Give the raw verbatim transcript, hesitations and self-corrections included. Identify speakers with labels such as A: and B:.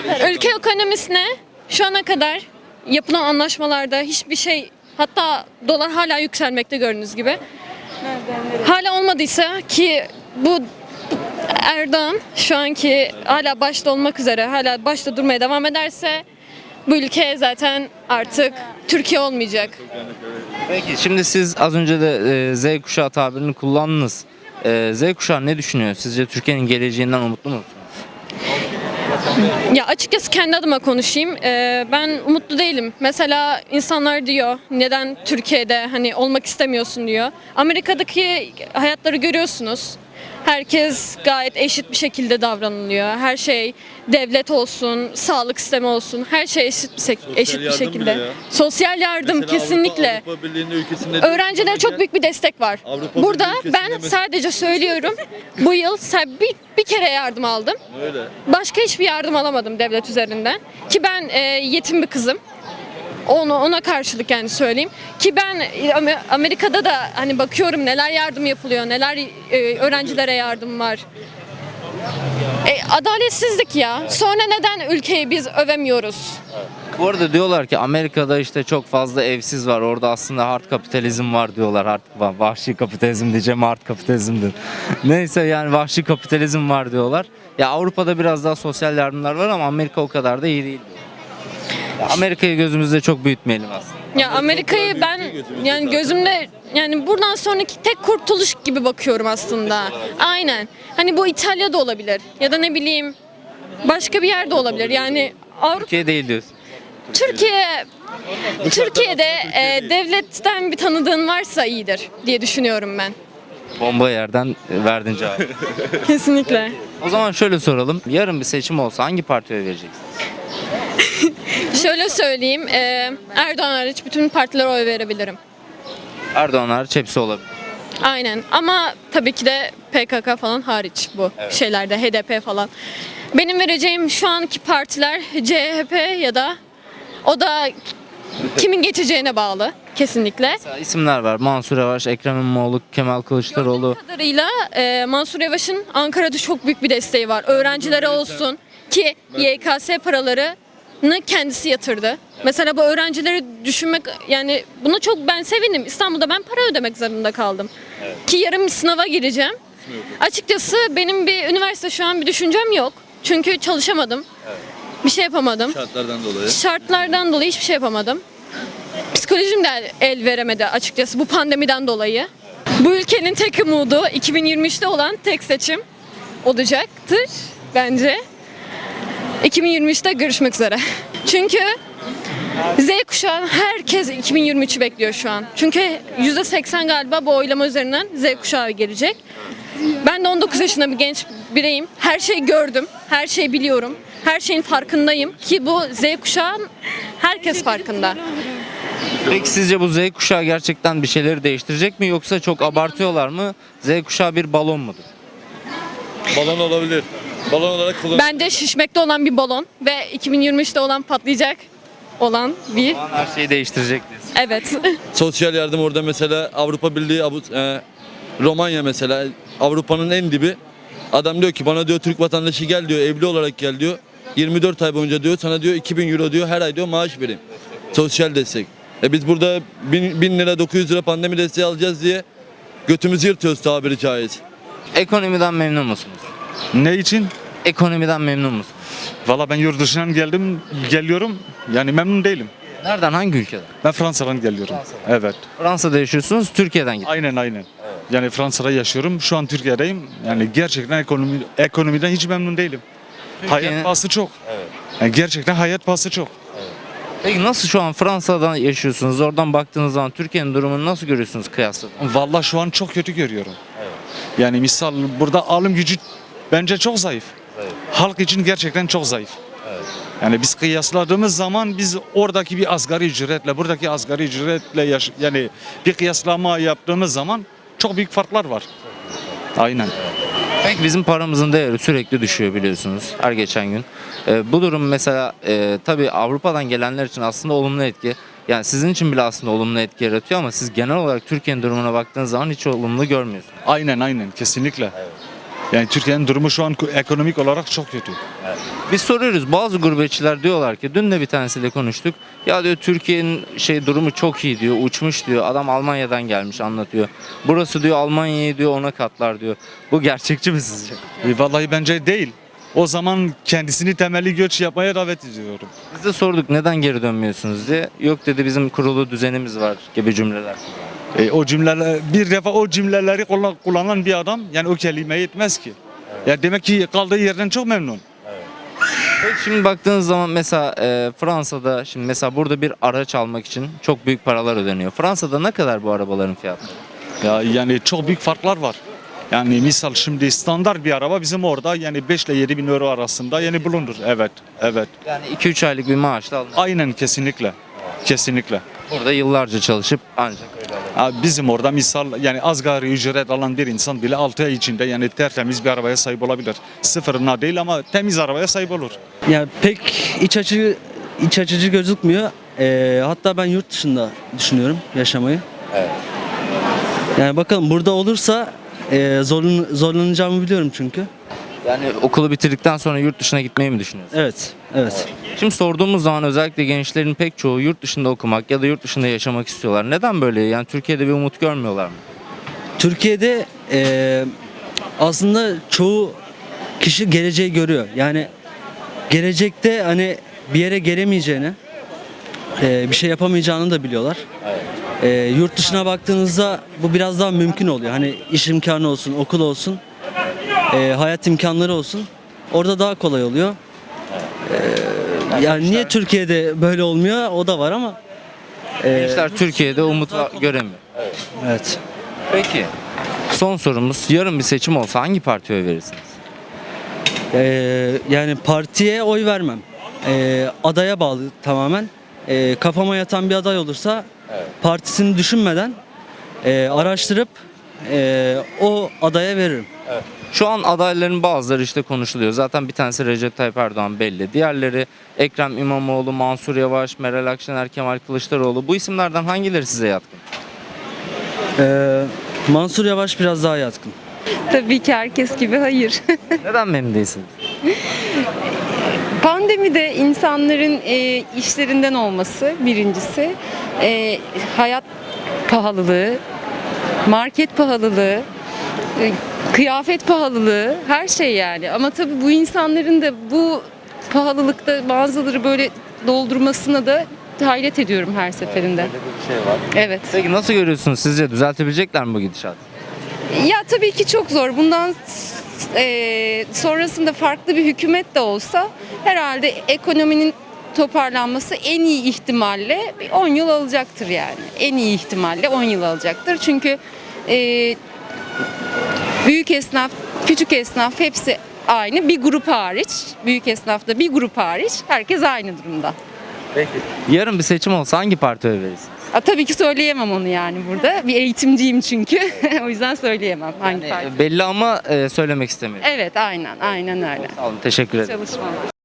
A: Ülke ekonomisine şu ana kadar yapılan anlaşmalarda hiçbir şey, hatta dolar hala yükselmekte gördüğünüz gibi. Hala olmadıysa ki bu Erdoğan şu anki hala başta olmak üzere hala başta durmaya devam ederse bu ülke zaten artık Türkiye olmayacak.
B: Peki şimdi siz az önce de e, Z kuşağı tabirini kullandınız. E, Z kuşağı ne düşünüyor? Sizce Türkiye'nin geleceğinden umutlu musunuz?
A: Ya açıkçası kendi adıma konuşayım. Ee, ben umutlu değilim. Mesela insanlar diyor neden Türkiye'de hani olmak istemiyorsun diyor. Amerika'daki hayatları görüyorsunuz. Herkes gayet eşit bir şekilde davranılıyor. Her şey devlet olsun, sağlık sistemi olsun, her şey eşit bir, sek- eşit bir
C: yardım
A: şekilde.
C: bile ya.
A: Sosyal yardım
C: Mesela
A: kesinlikle.
C: Avrupa, Avrupa Birliği'nin ülkesinde
A: Öğrencilere çok büyük bir destek var.
C: Avrupa
A: Burada
C: Birliği ülkesinde
A: ben
C: mesela-
A: sadece söylüyorum. Bu yıl sa- bir, bir kere yardım aldım.
C: Öyle.
A: Başka hiçbir yardım alamadım devlet üzerinden. Ki ben e, yetim bir kızım. Onu ona karşılık yani söyleyeyim. Ki ben e, Amer- Amerika'da da hani bakıyorum neler yardım yapılıyor, neler e, öğrencilere yardım var. E, adaletsizlik ya. Sonra neden ülkeyi biz övemiyoruz?
B: Bu arada diyorlar ki Amerika'da işte çok fazla evsiz var. Orada aslında hard kapitalizm var diyorlar. Hard, vahşi kapitalizm diyeceğim, hard kapitalizmdir. Neyse yani vahşi kapitalizm var diyorlar. Ya Avrupa'da biraz daha sosyal yardımlar var ama Amerika o kadar da iyi değil. Ya Amerika'yı gözümüzde çok büyütmeyelim aslında.
A: Ya Amerika'yı ben yani gözümde yani buradan sonraki tek kurtuluş gibi bakıyorum aslında. Aynen. Hani bu İtalya'da olabilir ya da ne bileyim başka bir yerde olabilir. Yani Avrupa
B: Türkiye değil diyorsun.
A: Türkiye Türkiye'de e, devletten bir tanıdığın varsa iyidir diye düşünüyorum ben.
B: Bomba yerden e, verdin cevabı.
A: Kesinlikle.
B: O zaman şöyle soralım. Yarın bir seçim olsa hangi partiye oy vereceksin?
A: Şöyle söyleyeyim. e, Erdoğan hariç bütün partilere oy verebilirim.
B: Erdoğan hariç hepsi olabilir.
A: Aynen. Ama tabii ki de P K K falan hariç bu şeylerde H D P falan. Benim vereceğim şu anki partiler C H P ya da o da kimin geçeceğine bağlı kesinlikle.
B: Mesela isimler var. Mansur Yavaş, Ekrem İmamoğlu, Kemal Kılıçdaroğlu.
A: Gördüğüm kadarıyla e, Mansur Yavaş'ın Ankara'da çok büyük bir desteği var. Öğrencilere olsun ki Y K S paralarını kendisi yatırdı. Mesela bu öğrencileri düşünmek yani buna çok ben sevindim. İstanbul'da ben para ödemek zorunda kaldım. Ki yarın bir sınava gireceğim. Açıkçası benim bir üniversite şu an bir düşüncem yok. Çünkü çalışamadım. Bir şey yapamadım.
C: Şartlardan dolayı.
A: Şartlardan dolayı hiçbir şey yapamadım. Psikolojim de el veremedi açıkçası bu pandemiden dolayı. Bu ülkenin tek umudu iki bin yirmi üçte olan tek seçim olacaktır bence. iki bin yirmi üçte görüşmek üzere. Çünkü Z kuşağı herkes iki bin yirmi üçü bekliyor şu an. Çünkü yüzde seksen galiba bu oylama üzerinden Z kuşağı gelecek. Ben de on dokuz yaşında bir genç bireyim. Her şeyi gördüm, her şeyi biliyorum. Her şeyin farkındayım ki bu Z kuşağı herkes farkında.
B: Peki sizce bu Z kuşağı gerçekten bir şeyleri değiştirecek mi yoksa çok abartıyorlar mı? Z kuşağı bir balon mudur?
C: Balon olabilir. Balon olarak kullan.
A: Bence şişmekte olan bir balon ve iki bin yirmi üçte olan patlayacak olan bir
B: O zaman her şeyi değiştirecek diyorsun.
A: evet.
C: Sosyal yardım orada mesela Avrupa Birliği, Avu- e, Romanya mesela Avrupa'nın en dibi. Adam diyor ki bana diyor Türk vatandaşı gel diyor, evli olarak gel diyor. yirmi dört ay boyunca diyor sana diyor iki bin euro diyor her ay diyor maaş vereyim. Sosyal destek. E biz burada bin lira dokuz yüz lira pandemi desteği alacağız diye götümüzü yırtıyoruz tabiri caiz.
B: Ekonomiden memnun musunuz?
D: Ne için?
B: Ekonomiden memnun musunuz?
D: Valla ben yurt dışından geldim, geliyorum. Yani memnun değilim.
B: Nereden, hangi ülkeden?
D: Ben Fransa'dan geliyorum. Evet.
B: Fransa'da yaşıyorsunuz, Türkiye'den gidiyorsunuz.
D: Aynen aynen. Yani Fransa'da yaşıyorum. Şu an Türkiye'deyim. Yani gerçekten ekonomi ekonomiden hiç memnun değilim.
B: Türkiye'nin-
D: Hayat pahası çok. Yani gerçekten hayat pahası çok.
B: Peki nasıl şu an Fransa'dan yaşıyorsunuz? Oradan baktığınız zaman Türkiye'nin durumunu nasıl görüyorsunuz kıyasla?
D: Valla şu an çok kötü görüyorum. Yani misal burada alım gücü bence çok zayıf. Halk için gerçekten çok zayıf. Yani biz kıyasladığımız zaman biz oradaki bir asgari ücretle buradaki asgari ücretle yaş- yani bir kıyaslama yaptığımız zaman çok büyük farklar var. Aynen.
B: Peki bizim paramızın değeri sürekli düşüyor biliyorsunuz her geçen gün. Ee, bu durum mesela e, tabii Avrupa'dan gelenler için aslında olumlu etki. Yani sizin için bile aslında olumlu etki yaratıyor ama siz genel olarak Türkiye'nin durumuna baktığınız zaman hiç olumlu görmüyorsunuz.
D: Aynen aynen kesinlikle. Yani Türkiye'nin durumu şu an ekonomik olarak çok kötü.
B: Biz soruyoruz, bazı gurbetçiler diyorlar ki, dün de bir tanesiyle konuştuk. Ya diyor Türkiye'nin şey durumu çok iyi diyor, uçmuş diyor. Adam Almanya'dan gelmiş anlatıyor. Burası diyor Almanya'yı diyor ona katlar diyor. Bu gerçekçi mi sizce?
D: E, vallahi bence değil. O zaman kendisini temelli göç yapmaya davet ediyorum.
B: Biz de sorduk neden geri dönmüyorsunuz diye. Yok dedi bizim kurulu düzenimiz var gibi cümleler.
D: E, o cümleler, bir defa o cümleleri kullan- kullanan bir adam yani o kelimeyi etmez ki. Ya demek ki kaldığı yerden çok memnun.
B: Peki şimdi baktığınız zaman mesela e, Fransa'da şimdi mesela burada bir araç almak için çok büyük paralar ödeniyor. Fransa'da ne kadar bu arabaların fiyatları?
D: Ya yani çok büyük farklar var. Yani misal şimdi standart bir araba bizim orada yani beş ile yedi bin euro arasında yani bulunur. Evet, evet.
B: Yani iki üç aylık bir maaşla alınıyor.
D: Aynen kesinlikle. Kesinlikle.
B: Burada yıllarca çalışıp ancak öyle alıyor.
D: Ha, bizim orada misal yani asgari ücret alan bir insan bile altı ay içinde yani tertemiz bir arabaya sahip olabilir. Sıfırına değil ama temiz arabaya sahip olur.
E: Yani pek iç açıcı iç açıcı gözükmüyor. Ee, hatta ben yurt dışında düşünüyorum yaşamayı.
B: Evet.
E: Yani bakalım burada olursa e, zorlan, zorlanacağımı biliyorum çünkü.
B: Yani okulu bitirdikten sonra yurt dışına gitmeyi mi düşünüyorsun?
E: Evet, evet.
B: Şimdi sorduğumuz zaman özellikle gençlerin pek çoğu yurt dışında okumak ya da yurt dışında yaşamak istiyorlar. Neden böyle? Yani Türkiye'de bir umut görmüyorlar mı?
E: Türkiye'de e, aslında çoğu kişi geleceği görüyor. Yani gelecekte hani bir yere gelemeyeceğini, e, bir şey yapamayacağını da biliyorlar. E, yurt dışına baktığınızda bu biraz daha mümkün oluyor. Hani iş imkanı olsun, okul olsun, e, hayat imkanları olsun. Orada daha kolay oluyor. E, yani niye Türkiye'de böyle olmuyor? O da var ama. e,
B: Gençler Türkiye'de umut va- göremiyor.
E: evet.
B: Peki. Son sorumuz. Yarın bir seçim olsa hangi partiye oy verirsiniz?
E: Ee, yani partiye oy vermem. Ee, adaya bağlı tamamen. Ee, kafama yatan bir aday olursa partisini düşünmeden e, araştırıp e, o adaya veririm.
B: Şu an adayların bazıları işte konuşuluyor. Zaten bir tanesi Recep Tayyip Erdoğan belli. Diğerleri Ekrem İmamoğlu, Mansur Yavaş, Meral Akşener, Kemal Kılıçdaroğlu. Bu isimlerden hangileri size yatkın?
E: Ee, Mansur Yavaş biraz daha yatkın.
F: Tabii ki herkes gibi hayır.
B: Neden memnun değilsiniz?
F: Pandemide insanların e, işlerinden olması birincisi, e, hayat pahalılığı, market pahalılığı, e, kıyafet pahalılığı, her şey yani. Ama tabii bu insanların da bu pahalılıkta bazıları böyle doldurmasına da hayret ediyorum her seferinde.
B: Böyle bir şey var.
F: Evet.
B: Peki nasıl görüyorsunuz? Sizce düzeltebilecekler mi bu gidişatı?
F: Ya tabii ki çok zor. Bundan e, sonrasında farklı bir hükümet de olsa herhalde ekonominin toparlanması en iyi ihtimalle bir on yıl alacaktır yani. En iyi ihtimalle on yıl alacaktır. Çünkü e, büyük esnaf, küçük esnaf hepsi aynı. Bir grup hariç, büyük esnafta bir grup hariç herkes aynı durumda.
B: Peki. Yarın bir seçim olsa hangi partiye oy verirsiniz?
F: A, tabii ki söyleyemem onu yani burada. Bir eğitimciyim çünkü. O yüzden söyleyemem hangi parti.
B: Yani belli ama e, söylemek istemiyorum.
F: Evet, aynen, aynen öyle.
B: Sağ olun, teşekkür ederim.
F: Çalışmalar.